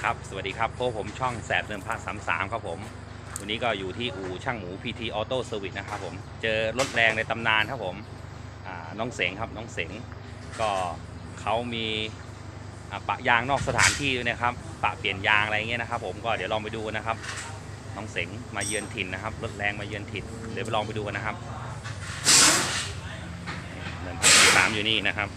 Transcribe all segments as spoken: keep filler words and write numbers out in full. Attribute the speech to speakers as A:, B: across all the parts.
A: ครับสวัสดีครับพวกผมช่องแสบเดิมพาสามสามครับผมวันนี้ก็อยู่ที่อู่ช่างหมู พี ที Auto Service นะครับผมเจอรถแรงในตำนานครับผมน้องเสงครับน้องเสงก็เขามีปะยางนอกสถานที่ด้วยนะครับปะเปลี่ยนยางอะไรเงี้ยนะครับผมก็เดี๋ยวลองไปดูนะครับน้องเสงมาเยือนถิ่นนะครับรถแรงมาเยือนถิ่นเดี๋ยวไปลองไปดูกันนะครับเดินพาสามอยู่นี่นะครับ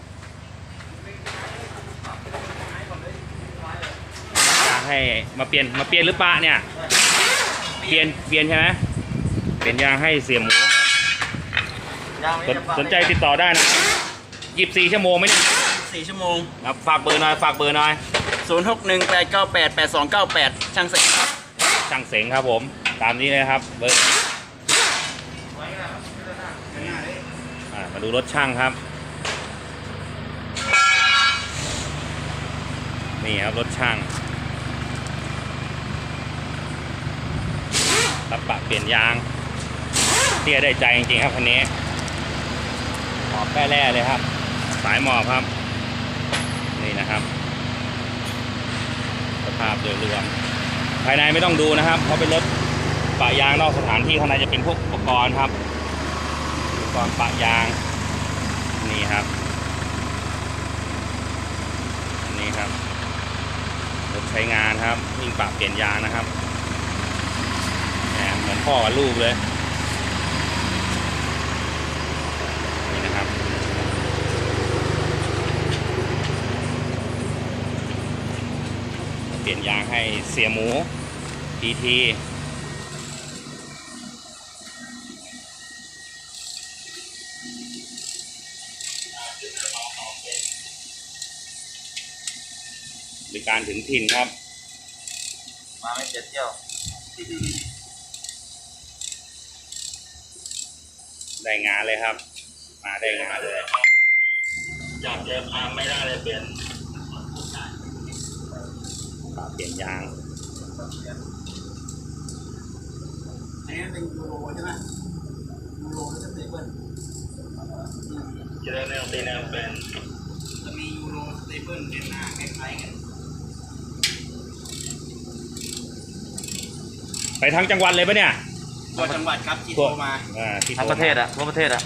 A: ให้มาเปลี่ยนมาเปลี่ยนหรือเปล่าเนี่ยเปลี่ยนเปลี่ยนใช่ไหมเปลี่ยนยางให้เสียหมูสนใจติดต่อได้นะยี่สิบสี่ชั่วโมงไหมเนี่ย
B: สี่ชั่วโมง
A: ครับฝากเบอร์หน่อยฝากเบอร์หน่อย
B: ศูนย์หกหนึ่งแปดเก้าแปดแปดสองเก้าแปดช่างเสงครับ
A: ช่างเสงครับผมตามนี้เลยครับเบอร์มาดูรถช่างครับนี่ครับรถช่างรับปะเปลี่ยนยางเตี้ยได้ใจจริงๆครับคันนี้หมอบแป้แร่เลยครับสายหมอบครับนี่นะครับสภาพโดยรวมภายในไม่ต้องดูนะครับเพราะเป็นรถปะยางนอกสถานที่ข้างในจะเป็นพวกอุปกรณ์ครับอุปกรณ์ปะยางนี่ครับนี่ครับรถใช้งานครับวิ่งปะเปลี่ยนยางนะครับเหมือนพ่อกับลูกเลยนี่นะครับเปลี่ยนยางให้เสียหมู พี ที บริการถึงถิ่นครับ
B: มาไม่เจ็ดเที่ยว
A: ได้งานเลยครับมาได้งานเลย
B: อยากจะพาไม่ได้เลยเปลี่ยน
A: เปลี่ยนยาง
B: อันนี้เป็นยูโรใช่ไหมยูโรแล้วจะเป็นเบิ้ลจะได้แนวตีแนวเป็นจะมียูโรสเตเบิลเป็นหน้าคล้ายๆกัน
A: ไปทั้งจังหวัดเลยปะเนี่ย
B: ทั่วจังหวัดครับที่โทรมา
C: ทั้งประเทศอะทั่วประเทศอะ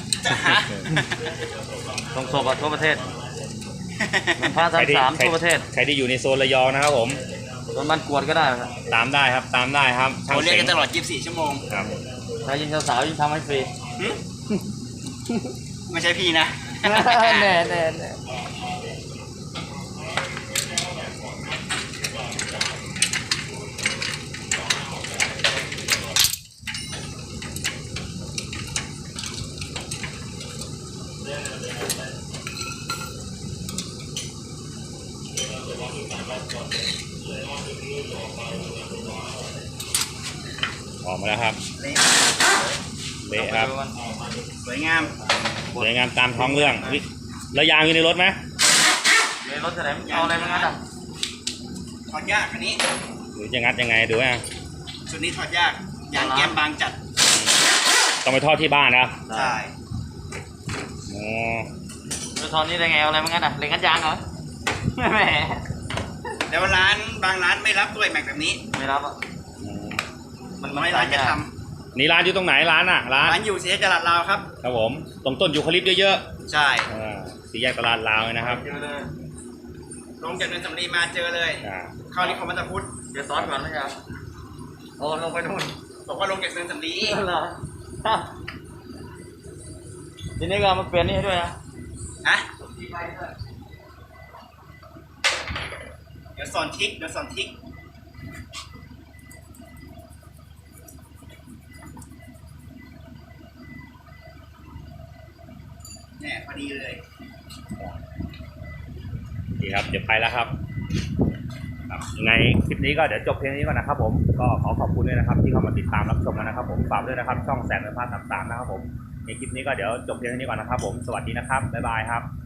C: ตรงศพอะทั่วประเทศมันพาสามสามทั่วประเทศ
A: ใครที่อยู่ในโซนระยองนะครับผม
C: โดนมันกวดก็ได้ครับ
A: ตามได้ครับตามได้ครับ
B: เขาเรียกกันตลอดยี่สิบสี่ชั่วโมง
A: ครับ
C: ถ้ายิ่งสาวยิ่งทำให้ฟรี
B: ไม่ใช่พี่นะ
C: แน่แน่แน่
A: ออกมาแล้วครับเละครับ
B: สวยงาม
A: สวยงามตามท้องเรื่องแล้วยางอยู่ในรถไหม
C: ในรถจะไหนเอาอะไรมางัดอ่ะ
B: ถอดยากอันนี้
A: หรือจะงัดยังไงดูอ่ะ
B: ชุดนี้ถอดยากยางแก้มบางจัด
A: ต้องไปทอดที่บ้านนะ
B: ใช่
A: อ๋อ
C: จะทอดนี่ได้ไงเอาอะไรมางัดอ่ะเหล็กงัดยางเหรอแหม
B: แล้วร้านบางร้านไม่รับด้วยแม็กแบบนี้
C: ไม่รับอ่ะ
B: มันน้อยร้านจะท
A: ำนี่ร้านอยู่ตรงไหนร้านอ่ะร้าน
B: ร้านอยู่สี่แยกตลาดลาวครับ
A: ครับผมตรงต้นยูคาลิปเยอะ
B: ๆใช่
A: สี่แยกตลาดลาวเลยนะครับ
B: ลงจากเนินสำลีมาเจอเลยเข้านิคมมัตตพุทธ
C: เดี๋ยวซ้อนก่อนนะครับโอ้ลงไปนู่น
B: บอกว่าลงจากเนินสำลี
C: ทีนี้ก็มาเปลี่ยนนี่ให้ด้วยนะ
B: ฮะเดี๋ยวสอนทิกเดี๋ยวสอนทิกเนี่ยพอดีเลย
A: ดีครับเดี๋ยวไปแล้วครับยังไงคลิปนี้ก็เดี๋ยวจบเพียงนี้ก่อนนะครับผมก็ขอขอบคุณด้วยนะครับที่เข้ามาติดตามรับชมนะครับผมฝากด้วยนะครับช่องแสนเดิมพาสามสามนะครับผมในคลิปนี้ก็เดี๋ยวจบเพียงนี้ก่อนนะครับผมสวัสดีนะครับบ๊ายบายครับ